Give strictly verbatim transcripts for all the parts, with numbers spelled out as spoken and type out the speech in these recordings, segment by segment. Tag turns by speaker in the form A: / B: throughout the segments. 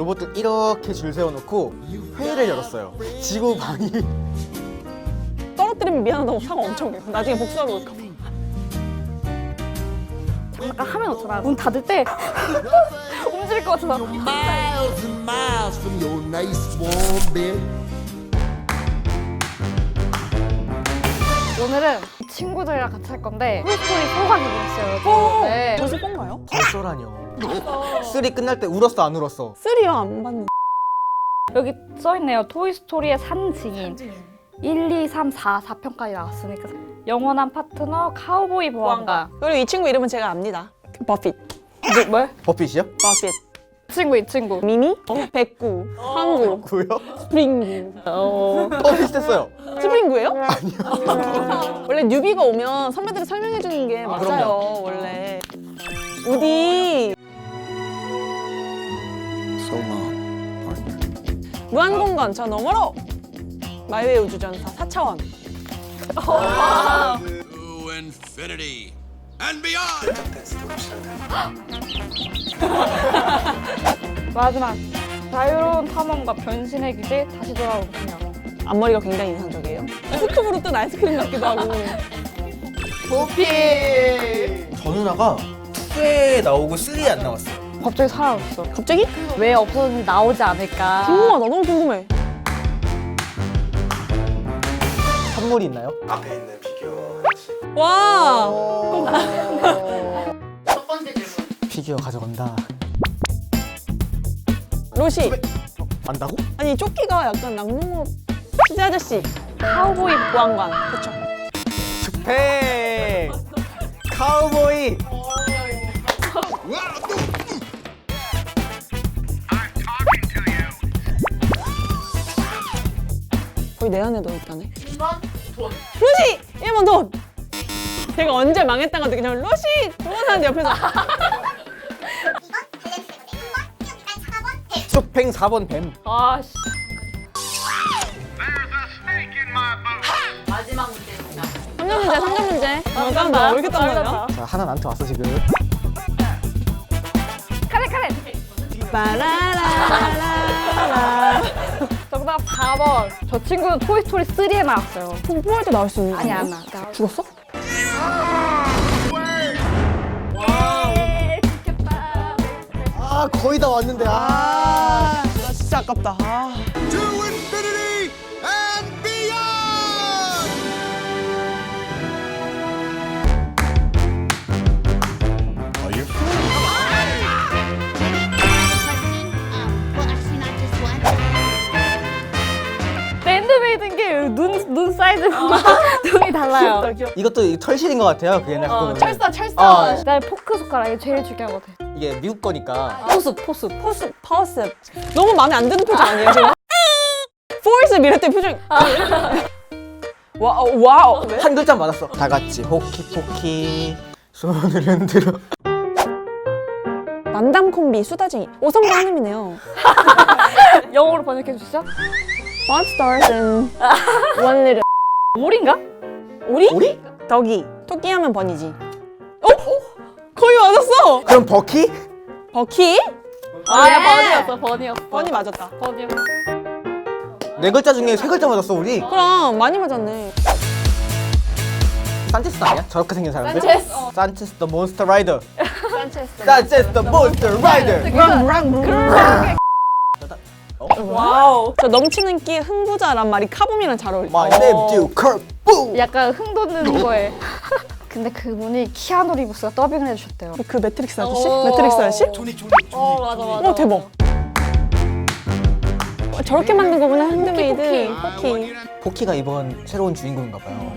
A: 로봇들 이렇게 줄 세워놓고 회의를 열었어요. 지구 방위.
B: 떨어뜨리면 미안하다고 사과 엄청 해요. 나중에 복수하러 올까 봐.
C: 장난감 하면 어쩌나 문 닫을 때 움직일 것 같아서.
D: Miles and miles from your nice warm bed.
C: 오늘은 친구들이랑 같이 할 건데 토이스토리 사가 기분이었어요. 네.
B: 벌써 뽕가요?
A: 벌써라뇨. 쓰리 끝날 때 울었어 안 울었어?
B: 쓰리요 안 봤는데.
C: 여기 써있네요. 토이스토리의 산증인 일, 이, 삼, 사, 사 편까지 나왔으니까 영원한 파트너 카우보이 보안관.
B: 그리고 이 친구 이름은 제가 압니다. 버핏.
C: 뭐, 뭐?
A: 버핏이요?
B: 버핏.
C: 이 친구 이 친구.
B: 미미? 백구. 항구.
A: 구요?
B: 스프링구.
C: 어.
A: 어 비슷했어요.
B: 스프링구예요? 아니요. 원래 뉴비가 오면 선배들이 설명해주는 게 맞아요.
A: 그럼요.
B: 원래. 우디.
D: So long, partner.
B: 무한공간 저 너머로. 마이웨이 우주전사 사 차원.
E: To infinity and beyond.
C: 마지막 자유로운 탐험과 변신의 기제 다시 돌아온 그녀.
B: 앞머리가 굉장히 인상적이에요. 스쿱으로 뜬 아이스크림 같기도 하고.
A: 저 누나가 투에 나오고 쓰리에 안 나왔어요.
C: 갑자기 사라졌어.
B: 갑자기?
C: 왜 없어졌는지 나오지 않을까.
B: 궁금하다. 너무 궁금해.
A: 선물이 있나요?
F: 앞에 있는 피규어 하나씩.
B: 와.
G: 첫 번째 질문.
A: 피규어 가져간다.
B: 로시.
A: 안다고?
B: 아니 조끼가 약간 낭농업 피자 아저씨.
C: 카우보이
B: 보안관. 그쵸.
A: 스팽! 카우보이!
B: 거의 내 안에 넣어있다네.
G: 이 번 돈.
B: 로시! 일 번 돈! 제가 언제 망했다가 그냥 로시! 돈 하는데 옆에서
A: 스팽 사 번 뱀.
C: 아씨.
G: 마지막 문제입니다.
B: 삼 점 문제, 삼 점 문제. 아, 땀나. 왜 이렇게 땀나냐?
A: 자 하나 나한테 왔어 지금.
C: 카레 카레.
B: 빠라라라라.
C: 정답 사 번. 저 친구는 토이스토리 쓰리에 나왔어요.
B: 뽀뽀할 때 나올 수 있는 거
C: 아니
B: 아니야?
C: 안 나. 나
B: 죽었어?
A: 아 거의 다 왔는데. 아.
B: 아, 나 진짜 아깝다. 아.
E: To infinity and beyond.
D: Are you?
H: Well, actually, not just one.
C: 핸드메이드인 게 눈 눈 사이즈가 눈이 달라요.
A: 이것도 털실인 것 같아요. 그 옛날
B: 어,
A: 거는.
B: 철사, 철사.
A: 어,
C: 날 포크 숟가락이 제일 중요한 것 같아.
A: 이게 미국 거니까.
C: 포스 포스.
B: 포스, 퍼스. 너무 마음에 안 드는 표정 아니에요, 지금? 포스 이랬더니 표정. 와, 와우. 네?
A: 한 글자 맞았어. 다 같이 호키포키 손을 흔들어.
B: 만담 콤비 수다쟁이. 오성과 한음이네요.
C: 영어로 번역해 주시죠.
B: Five stars and one little.
C: 오리인가?
B: 오리?
A: 오리?
B: 덕이. 토끼 하면 번이지. 어? 거의 맞았어.
A: 그럼 버키?
B: 버키?
C: 아, 야, 번이었어 번이었어.
B: 번이 맞았다.
C: 번이었어.
A: 네 글자 중에 세 글자 맞았어 우리.
B: 그럼 많이 맞았네.
A: 산체스 아니야? 저렇게 생긴 사람들?
C: 산체스.
A: 산체스 더 몬스터 라이더.
C: 산체스.
A: 산체스 더 몬스터 라이더.
B: 와우. 저 넘치는 끼 흥부자란 말이 카봄이랑 잘 어울려.
A: My name is Kirk.
C: 약간 흥 돋는 거에. 근데 그분이 키아누 리브스가 더빙을 해주셨대요.
B: 그 매트릭스 아저씨?
C: 어.
B: 매트릭스 아저씨?
A: 조니 조니 조니.
C: 어 맞아 맞아.
B: 어 대박. 어, 저렇게 만든 거구나 핸드메이드.
C: 포키,
B: 포키.
A: 포키가 이번 새로운 주인공인가 봐요.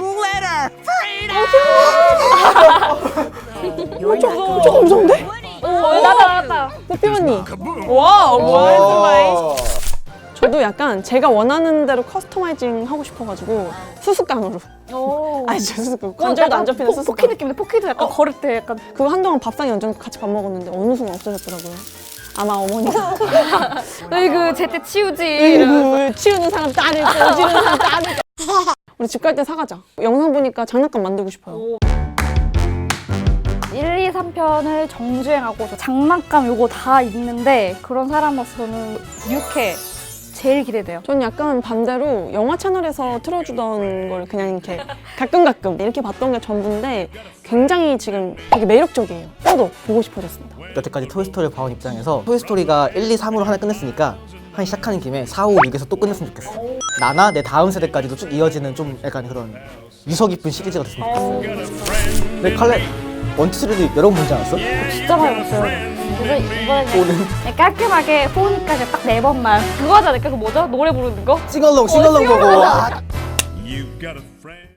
B: 어, 저, 저거 무서운데?
C: 오 나다 나다.
B: 뽀삐 언니. 와우, 뭐야,
A: 오.
B: 저도 약간 제가 원하는 대로 커스터마이징 하고 싶어가지고 수수깡으로.
C: 오.
B: 아니, 저 수수깡. 관절도 안 잡히는
C: 포,
B: 수수깡.
C: 포키 느낌인데 포키도 약간 걸을 때 약간.
B: 그거 한동안 밥상에 얹어 같이 밥 먹었는데 어느 순간 없어졌더라고요. 아마 어머니가.
C: 으이그 제때 치우지. 이러면서.
B: 으이구, 치우는 사람 따르고 오지는 사람 따르고. 우리 집 갈 때 사가자. 영상 보니까 장난감 만들고 싶어요.
C: 일, 이, 삼 편을 정주행하고 저 장난감 요거 다 있는데 그런 사람으로서는 육회 제일 기대돼요.
B: 전 약간 반대로 영화 채널에서 틀어주던 걸 그냥 이렇게 가끔 가끔 이렇게 봤던 게 전부인데 굉장히 지금 되게 매력적이에요. 저도 보고 싶어졌습니다.
A: 여태까지 토이스토리를 봐온 입장에서 토이스토리가 일, 이, 삼으로 하나 끝냈으니까 하나 시작하는 김에 사, 오, 육에서 또 끝냈으면 좋겠어. 나나 내 다음 세대까지도 쭉 이어지는 좀 약간 그런 유서 깊은 시리즈가 됐으면 좋겠어. 근데 칼레 원, 투, 쓰리도 여러 번 보지 않았어?
C: 진짜 많이 봤어요. 그래서 이번에 그냥 그냥 깔끔하게 보니까 그냥 딱 네 번만 그거 하지 않을까? 그 뭐죠? 노래 부르는 거?
A: 싱얼롱 싱얼롱 보고 아,
I: You've got a